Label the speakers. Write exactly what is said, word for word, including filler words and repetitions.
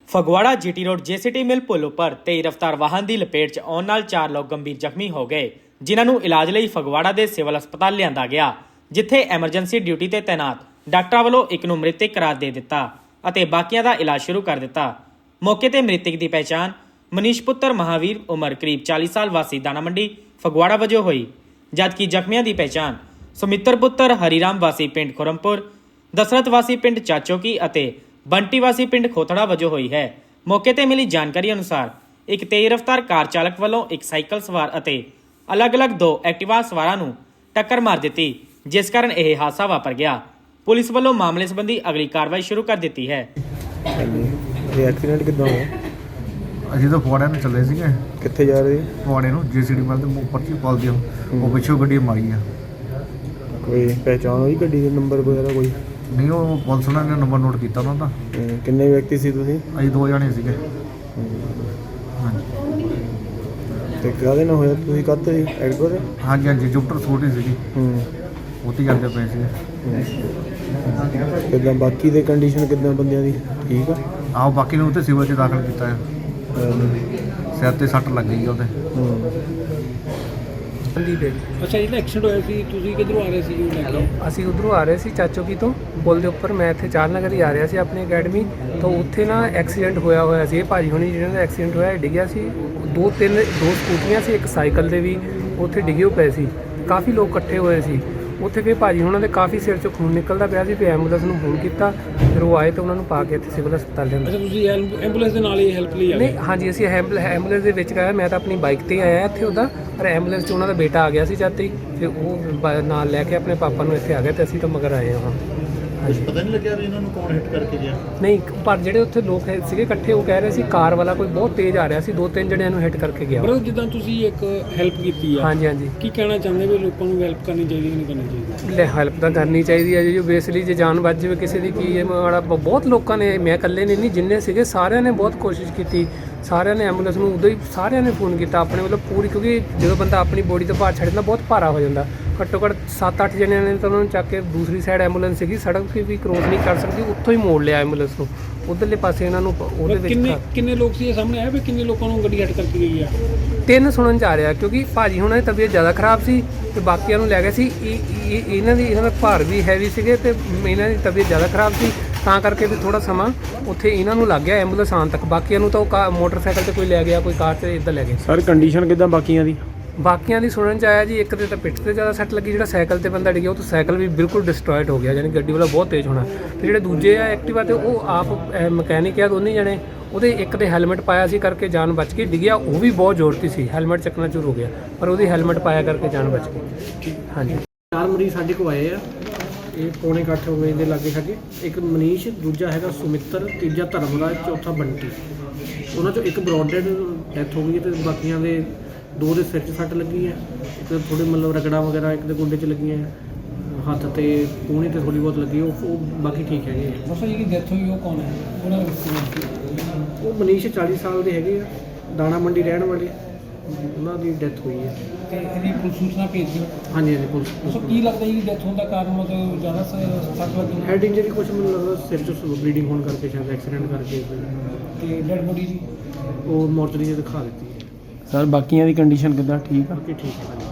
Speaker 1: Phagwara GT road JCT mill ਪੁਲ ਉੱਪਰ ਤੇਜ਼ ਰਫ਼ਤਾਰ ਵਾਹਨ ਦੀ ਲਪੇਟ 'ਚ ਆਉਣ ਨਾਲ ਚਾਰ ਲੋਕ ਗੰਭੀਰ ਜ਼ਖਮੀ ਹੋ ਗਏ, ਜਿਨ੍ਹਾਂ ਨੂੰ ਇਲਾਜ ਲਈ ਫਗਵਾੜਾ ਦੇ ਸਿਵਲ ਹਸਪਤਾਲ ਲਿਆਂਦਾ ਗਿਆ, ਜਿੱਥੇ ਐਮਰਜੈਂਸੀ ਡਿਊਟੀ ਤੇ ਤੈਨਾਤ ਡਾਕਟਰਾਂ ਵੱਲੋਂ ਇੱਕ ਨੂੰ ਮ੍ਰਿਤਕ ਕਰਾਰ ਦੇ ਦਿੱਤਾ ਅਤੇ ਬਾਕੀਆਂ ਦਾ ਇਲਾਜ ਸ਼ੁਰੂ ਕਰ ਦਿੱਤਾ। ਮੌਕੇ ਤੇ ਮ੍ਰਿਤਕ ਦੀ ਪਹਿਚਾਣ ਮਨੀਸ਼ ਪੁੱਤਰ ਮਹਾਵੀਰ ਉਮਰ ਕਰੀਬ ਚਾਲੀ ਸਾਲ ਵਾਸੀ ਦਾਣਾ ਮੰਡੀ ਫਗਵਾੜਾ ਵਜੋਂ ਹੋਈ, ਜਦਕਿ ਜ਼ਖਮੀਆਂ ਦੀ ਪਹਿਚਾਣ ਸੁਮਿੱਤਰ ਪੁੱਤਰ ਹਰੀਰਾਮ ਵਾਸੀ ਪਿੰਡ ਖੁਰਮਪੁਰ, ਦਸਰਤ ਵਾਸੀ ਪਿੰਡ ਚਾਚੋਕੀ ਅਤੇ ਬੰਟੀ ਵਾਸੀ ਪਿੰਡ ਖੋਤੜਾ ਵਜੋਂ ਹੋਈ ਹੈ। ਮੌਕੇ ਤੇ ਮਿਲੀ ਜਾਣਕਾਰੀ ਅਨੁਸਾਰ ਇੱਕ ਤੇਜ਼ ਰਫ਼ਤਾਰ ਕਾਰ ਚਾਲਕ ਵੱਲੋਂ ਇੱਕ ਸਾਈਕਲ ਸਵਾਰ ਅਤੇ ਅਲੱਗ-ਅਲੱਗ ਦੋ ਐਕਟਿਵਾ ਸਵਾਰਾਂ ਨੂੰ ਟੱਕਰ ਮਾਰ ਦਿੱਤੀ, ਜਿਸ ਕਾਰਨ ਇਹ ਹਾਦਸਾ ਵਾਪਰ ਗਿਆ। ਪੁਲਿਸ ਵੱਲੋਂ ਮਾਮਲੇ ਸੰਬੰਧੀ ਅਗਲੀ ਕਾਰਵਾਈ ਸ਼ੁਰੂ ਕਰ ਦਿੱਤੀ ਹੈ।
Speaker 2: ਇਹ ਐਕਸੀਡੈਂਟ ਕਿੱਦਾਂ ਹੋਇਆ?
Speaker 3: ਅਸੀਂ ਤਾਂ ਫਗਵਾੜੇ ਨੂੰ ਚੱਲੇ ਸੀਗੇ,
Speaker 2: ਕਿੱਥੇ ਜਾ ਰਹੇ?
Speaker 3: ਫਗਵਾੜੇ ਨੂੰ ਜੀਸੀਡੀ ਮਿਲ ਦੇ ਉੱਪਰ ਚ ਪਾਲ ਦਿਓ, ਉਹ ਪਿੱਛੋਂ ਗੱਡੀ ਮਾਰੀ ਆ।
Speaker 2: ਕੋਈ ਪਹਿਚਾਣ ਹੋਈ ਗੱਡੀ ਦੇ ਨੰਬਰ ਵਗੈਰਾ ਕੋਈ?
Speaker 3: ਨਹੀਂ, ਉਹ ਪੁਲਿਸ ਨੇ ਨੰਬਰ ਨੋਟ ਕੀਤਾ ਉਹਨਾਂ ਦਾ।
Speaker 2: ਹਮ, ਕਿੰਨੇ ਵਿਅਕਤੀ ਸੀ ਤੁਸੀਂ?
Speaker 3: ਅਸੀਂ ਦੋ ਜਣੇ ਸੀਗੇ। ਹਾਂਜੀ
Speaker 2: ਤੇ ਕਾਹਦੇ ਨਾਲ ਹੋਇਆ? ਤੁਸੀਂ ਕਾਹਤੇ ਸੀ? ਐਕਟਿਵਾ ਤੇ?
Speaker 3: ਹਾਂਜੀ ਹਾਂਜੀ ਜੁਪਟਰ ਸਕੂਟੀ ਸੀਗੀ,
Speaker 2: ਹੂੰ
Speaker 3: ਉੱਥੇ ਜਾਂਦੇ ਪਏ ਸੀਗੇ।
Speaker 2: ਕਿੱਦਾਂ ਬਾਕੀ ਦੇ ਕੰਡੀਸ਼ਨ ਕਿੱਦਾਂ ਬੰਦਿਆਂ ਦੀ? ਠੀਕ ਆ?
Speaker 3: ਆਹੋ, ਬਾਕੀ ਨੂੰ ਉੱਥੇ ਸਿਵਲ 'ਚ ਦਾਖਲ ਕੀਤਾ ਹੈ। ਸਿਰ ਤੇ ਸੱਟ ਲੱਗ ਗਈ ਉਹਦੇ।
Speaker 2: ਹੂੰ
Speaker 4: ਅੱਛਾ, ਜਿਹੜਾ ਐਕਸੀਡੈਂਟ ਹੋਇਆ ਸੀ ਤੁਸੀਂ ਕਿੱਧਰੋਂ ਆ ਰਹੇ ਸੀ ਜੀ? ਲੈ ਕੇ
Speaker 5: ਅਸੀਂ ਉਧਰੋਂ ਆ ਰਹੇ ਸੀ ਚਾਚੋਕੀ ਤੋਂ ਪੁਲ ਦੇ ਉੱਪਰ। ਮੈਂ ਇੱਥੇ ਚਾਰ ਨਗਰ ਹੀ ਆ ਰਿਹਾ ਸੀ ਆਪਣੀ ਅਕੈਡਮੀ ਤੋਂ। ਉੱਥੇ ਨਾ ਐਕਸੀਡੈਂਟ ਹੋਇਆ ਹੋਇਆ ਸੀ। ਇਹ ਭਾਜੀ ਹੁਣੀ ਜਿਹਨਾਂ ਦਾ ਐਕਸੀਡੈਂਟ ਹੋਇਆ, ਇਹ ਡਿੱਗਿਆ ਸੀ। ਦੋ ਤਿੰਨ ਦੋ ਸਕੂਟਰੀਆਂ ਸੀ, ਇੱਕ ਸਾਈਕਲ ਦੇ ਵੀ ਉੱਥੇ ਡਿੱਗੇ ਹੋਏ ਪਏ ਸੀ। ਕਾਫੀ ਲੋਕ ਇਕੱਠੇ ਹੋਏ ਸੀ ਉੱਥੇ। ਫਿਰ ਭਾਜੀ ਉਹਨਾਂ ਦੇ ਕਾਫੀ ਸਿਰ 'ਚੋਂ ਖੂਨ ਨਿਕਲਦਾ ਪਿਆ ਸੀ। ਫਿਰ ਐਂਬੂਲੈਂਸ ਨੂੰ ਫੋਨ ਕੀਤਾ, ਫਿਰ ਉਹ ਆਏ ਤਾਂ ਉਹਨਾਂ ਨੂੰ ਪਾ ਕੇ ਇੱਥੇ ਸਿਵਲ ਹਸਪਤਾਲ ਲਿਆਂਦਾ।
Speaker 4: ਅੱਛਾ, ਤੁਸੀਂ ਐਂਬੂਲੈਂਸ ਦੇ ਨਾਲ ਹੀ ਹੈਲਪ ਲਈ ਆ ਗਏ?
Speaker 5: ਨਹੀਂ, ਹਾਂਜੀ, ਅਸੀਂ ਐਂਬੂਲੈਂਸ ਦੇ ਵਿੱਚ ਗਏ। ਮੈਂ ਤਾਂ ਆਪਣੀ ਬਾਈਕ 'ਤੇ ਆਇਆ ਇੱਥੇ ਉਹਦਾ, ਪਰ ਐਂਬੂਲੈਂਸ 'ਚ ਉਹਨਾਂ ਦਾ ਬੇਟਾ ਆ ਗਿਆ ਸੀ ਜਦ ਤੱਕ। ਫਿਰ ਉਹ ਬ- ਨਾਲ ਲੈ ਕੇ ਆਪਣੇ ਪਾਪਾ ਨੂੰ ਇੱਥੇ ਆ ਗਏ ਅਤੇ ਅਸੀਂ ਤਾਂ ਮਗਰ ਆਏ ਹਾਂ। ਹਾਂਜੀ,
Speaker 6: ਪਤਾ ਨਹੀਂ ਲੱਗਿਆ ਵੀ ਇਹਨਾਂ ਨੂੰ ਕੌਣ ਹਿੱਟ ਕਰਕੇ ਗਿਆ?
Speaker 5: ਨਹੀਂ, ਪਰ ਜਿਹੜੇ ਉੱਥੇ ਲੋਕ ਹੈ- ਸੀਗੇ ਇਕੱਠੇ, ਉਹ ਕਹਿ ਰਹੇ ਸੀ ਕਾਰ ਵਾਲਾ ਕੋਈ ਬਹੁਤ ਤੇਜ਼ ਆ ਰਿਹਾ ਸੀ, ਦੋ ਤਿੰਨ ਜਣਿਆਂ ਨੂੰ ਹਿੱਟ ਕਰਕੇ ਗਿਆ।
Speaker 4: ਬਰੋ, ਜਿੱਦਾਂ ਤੁਸੀਂ ਇੱਕ ਹੈਲਪ ਕੀਤੀ ਆ,
Speaker 5: ਹਾਂਜੀ ਹਾਂਜੀ,
Speaker 4: ਕੀ ਕਹਿਣਾ ਚਾਹੁੰਦੇ ਵੀ ਲੋਕਾਂ ਨੂੰ ਹੈਲਪ ਕਰਨੀ ਚਾਹੀਦੀ ਕਿ ਨਹੀਂ ਕਰਨੀ ਚਾਹੀਦੀ?
Speaker 5: ਲੈ ਹੈਲਪ ਤਾਂ ਕਰਨੀ ਚਾਹੀਦੀ ਹੈ ਜੀ। ਜੋ ਬੇਸਲੀ ਜੇ ਜਾਨ ਬਚ ਜਾਵੇ ਕਿਸੇ ਦੀ, ਕੀ ਹੈ ਮਾੜਾ। ਬਹੁਤ ਲੋਕਾਂ ਨੇ, ਮੈਂ ਇਕੱਲੇ ਨੇ ਨਹੀਂ, ਜਿੰਨੇ ਸੀਗੇ ਸਾਰਿਆਂ ਨੇ ਬਹੁਤ ਕੋਸ਼ਿਸ਼ ਕੀਤੀ। ਸਾਰਿਆਂ ਨੇ ਐਂਬੂਲੈਂਸ ਨੂੰ ਉਦੋਂ ਹੀ ਸਾਰਿਆਂ ਨੇ ਫੋਨ ਕੀਤਾ ਆਪਣੇ ਵੱਲੋਂ ਪੂਰੀ, ਕਿਉਂਕਿ ਜਦੋਂ ਬੰਦਾ ਆਪਣੀ ਬੋਡੀ ਤੋਂ ਭਾਰ ਛੱਡ ਦਿੰਦਾ ਬਹੁਤ ਭਾਰਾ ਹੋ ਜਾਂਦਾ। ਘੱਟੋ ਘੱਟ ਸੱਤ ਅੱਠ ਜਣਿਆਂ ਨੇ ਤਾਂ ਉਹਨਾਂ ਨੂੰ ਚੱਕ ਕੇ ਦੂਸਰੀ ਸਾਈਡ ਐਂਬੂਲੈਂਸ ਸੀਗੀ, ਸੜਕ ਵੀ ਕ੍ਰੋਸ ਨਹੀਂ ਕਰ ਸਕਦੀ, ਉੱਥੋਂ ਹੀ ਮੋੜ ਲਿਆ ਐਂਬੂਲੈਂਸ ਨੂੰ ਉੱਧਰਲੇ ਪਾਸੇ ਇਹਨਾਂ ਨੂੰ ਉਹਦੇ ਵਿੱਚ।
Speaker 4: ਕਿੰਨੇ ਕਿੰਨੇ ਲੋਕ ਸੀ ਇਹ ਸਾਹਮਣੇ ਆਇਆ ਵੀ ਕਿੰਨੇ ਲੋਕਾਂ ਨੂੰ ਗੱਡੀ ਹਿੱਟ ਕਰਕੇ ਗਈ ਆ?
Speaker 5: ਤਿੰਨ ਸੁਣਨ 'ਚ ਆ ਰਿਹਾ, ਕਿਉਂਕਿ ਭਾਜੀ ਹੁਣਾਂ ਦੀ ਤਬੀਅਤ ਜ਼ਿਆਦਾ ਖਰਾਬ ਸੀ ਅਤੇ ਬਾਕੀਆਂ ਨੂੰ ਲੈ ਗਏ ਸੀ। ਇਹ- ਇਹ- ਇਹਨਾਂ ਦੀ ਇਹਨਾਂ ਦਾ ਭਾਰ ਵੀ ਹੈਵੀ ਸੀਗੇ ਅਤੇ ਇਹਨਾਂ ਦੀ ਤਬੀਅਤ ਜ਼ਿਆਦਾ ਖਰਾਬ ਸੀ, ਤਾਂ ਕਰਕੇ ਵੀ ਥੋੜ੍ਹਾ ਸਮਾਂ ਉੱਥੇ ਇਹਨਾਂ ਨੂੰ ਲੱਗ ਗਿਆ ਐਂਬੂਲੈਂਸ ਆਉਣ ਤੱਕ। ਬਾਕੀਆਂ ਨੂੰ ਤਾਂ ਉਹ ਕਾ ਮੋਟਰਸਾਈਕਲ 'ਤੇ ਕੋਈ ਲੈ ਗਿਆ, ਕੋਈ ਕਾਰ 'ਤੇ ਇੱਦਾਂ ਲੈ ਗਏ।
Speaker 2: ਸਰ ਕੰਡੀਸ਼ਨ ਕਿੱਦਾਂ ਬਾਕੀਆਂ ਦੀ?
Speaker 5: ਬਾਕੀਆਂ ਦੀ ਸੁਣਨ 'ਚ ਆਇਆ ਜੀ, ਇੱਕ ਦੇ ਤਾਂ ਪਿੱਠ 'ਤੇ ਜ਼ਿਆਦਾ ਸੱਟ ਲੱਗੀ, ਜਿਹੜਾ ਸਾਈਕਲ 'ਤੇ ਬੰਦਾ ਡਿੱਗਿਆ ਉਹ ਤਾਂ ਸਾਈਕਲ ਵੀ ਬਿਲਕੁਲ ਡਿਸਟਰੋਇਡ ਹੋ ਗਿਆ, ਯਾਨੀ ਗੱਡੀ ਵਾਲਾ ਬਹੁਤ ਤੇਜ਼ ਹੋਣਾ। ਅਤੇ ਜਿਹੜੇ ਦੂਜੇ ਆ ਐਕਟਿਵਾ 'ਤੇ, ਉਹ ਆਪ ਮਕੈਨਿਕ ਆ ਦੋਨੇ ਜਣੇ, ਉਹਦੇ ਇੱਕ ਦੇ ਹੈਲਮਟ ਪਾਇਆ ਸੀ ਕਰਕੇ ਜਾਨ ਬਚ ਗਈ। ਡਿੱਗਿਆ ਉਹ ਵੀ ਬਹੁਤ ਜ਼ੋਰਤੀ ਸੀ, ਹੈਲਮਟ ਚੱਕਣਾ ਸ਼ੁਰੂ ਹੋ ਗਿਆ, ਪਰ ਉਹਦੀ ਹੈਲਮਟ ਪਾਇਆ ਕਰਕੇ ਜਾਨ ਬਚ ਗਈ। ਹਾਂਜੀ,
Speaker 7: ਚਾਰ ਮਰੀਜ਼ ਸਾਡੇ ਕੋਲ ਆਏ ਆ, ਇਹ ਪੌਣੇ ਕੁ ਅੱਠ ਵਜੇ ਦੇ ਲਾਗੇ ਛਾਗੇ। ਇੱਕ ਮਨੀਸ਼, ਦੂਜਾ ਹੈਗਾ ਸੁਮਿੱਤਰ, ਤੀਜਾ ਧਰਮਰਾਜ, ਚੌਥਾ ਬੰਟੀ। ਉਹਨਾਂ 'ਚੋਂ ਇੱਕ ਬਰੋਡ ਡੈਡ ਡੈਥ ਹੋ ਗਈ ਅਤੇ ਬਾਕੀਆਂ ਦੇ ਦੋ ਦੇ ਸਿਰ 'ਚ ਸੱਟ ਲੱਗੀ ਹੈ, ਇੱਕ ਥੋੜ੍ਹੇ ਮਤਲਬ ਰਗੜਾ ਵਗੈਰਾ ਇੱਕ ਦੇ ਗੁੰਡੇ 'ਚ ਲੱਗੀਆਂ, ਹੱਥ ਤੇ ਕੂਹਣੀ 'ਤੇ ਥੋੜ੍ਹੀ ਬਹੁਤ ਲੱਗੀ। ਉਹ ਉਹ ਬਾਕੀ ਠੀਕ ਹੈਗੇ ਆ।
Speaker 4: ਦੱਸੋ ਜਿਹੜੀ ਡੈਥ ਹੋਈ ਉਹ ਕੌਣ ਹੈ? ਉਹਨਾਂ
Speaker 7: ਉਹ ਮਨੀਸ਼ ਚਾਲੀ ਸਾਲ ਦੇ ਹੈਗੇ ਆ, ਦਾਣਾ ਮੰਡੀ ਰਹਿਣ ਵਾਲੇ, ਉਹਨਾਂ ਦੀ ਡੈਥ ਹੋਈ ਹੈ।
Speaker 4: ਤੇ ਇਹਦੀ ਪੁਲਿਸ ਸੂਚਨਾ ਭੇਜ ਦਿਓ।
Speaker 7: ਹਾਂਜੀ ਹਾਂਜੀ, ਪੁਲਿਸ
Speaker 4: ਦੱਸੋ ਕੀ ਲੱਗਦਾ ਜੀ ਡੈਥ ਹੋਣ ਦਾ ਕਾਰਨ? ਮਤਲਬ ਜ਼ਿਆਦਾ ਸੱਟ ਲੱਗੀ
Speaker 7: ਹੈਡ ਇੰਜਰੀ, ਕੁਛ ਮੈਨੂੰ ਲੱਗਦਾ ਸਿਰ 'ਚ ਬਲੀਡਿੰਗ ਹੋਣ ਕਰਕੇ, ਸ਼ਾਇਦ ਐਕਸੀਡੈਂਟ ਕਰਕੇ।
Speaker 4: ਤੇ ਡੈਡ ਬੋਡੀ ਜੀ
Speaker 7: ਉਹ ਮੋਰਚਰੀ 'ਚ ਦਿਖਾ ਦਿੱਤੀ ਹੈ।
Speaker 2: ਸਰ ਬਾਕੀਆਂ ਦੀ ਕੰਡੀਸ਼ਨ ਕਿੱਦਾਂ? ਠੀਕ ਆ?
Speaker 7: ਬਾਕੀ ਠੀਕ ਹੈ।